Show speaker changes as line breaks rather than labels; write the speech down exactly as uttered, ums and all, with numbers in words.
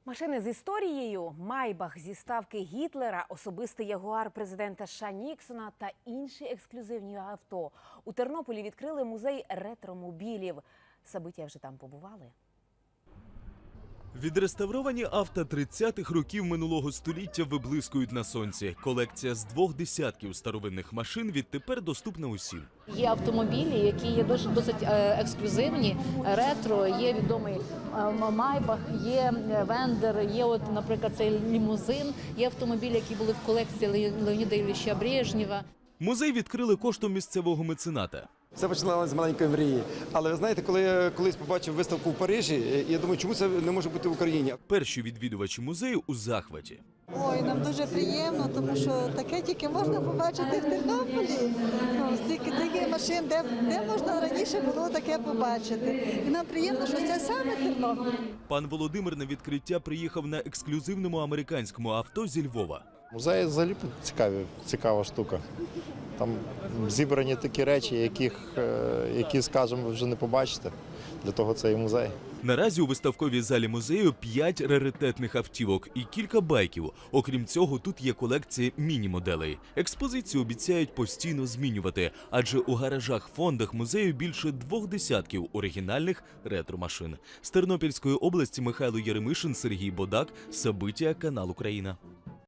Машини з історією, Майбах зі ставки Гітлера, особистий ягуар президента США Ніксона та інші ексклюзивні авто. У Тернополі відкрили музей ретромобілів. Сабиття вже там побували.
Відреставровані авто тридцятих років минулого століття виблискують на сонці. Колекція з двох десятків старовинних машин відтепер доступна усім.
Є автомобілі, які є досить, досить ексклюзивні, ретро, є відомий Майбах, є Вендер, є, от, наприклад, цей лімузин, є автомобілі, які були в колекції Леоніда Ілліча Брежнєва.
Музей відкрили коштом місцевого мецената.
Все починалося з маленької мрії. Але ви знаєте, коли я колись побачив виставку в Парижі, я думаю, чому це не може бути в Україні?
Перші відвідувачі музею у захваті.
Ой, нам дуже приємно, тому що таке тільки можна побачити в Тернополі. Ну, стільки таких машин, де, де можна раніше було таке побачити. І нам приємно, що це саме Тернопіль.
Пан Володимир на відкриття приїхав на ексклюзивному американському авто зі Львова.
Музей взагалі цікаві, цікава штука. Там зібрані такі речі, яких, які, скажімо, ви вже не побачите. Для того це і музей.
Наразі у виставковій залі музею п'ять раритетних автівок і кілька байків. Окрім цього, тут є колекція міні-моделей. Експозицію обіцяють постійно змінювати, адже у гаражах-фондах музею більше двох десятків оригінальних ретро-машин. З Тернопільської області Михайло Єремишин, Сергій Бодак, Сабиття, канал Україна.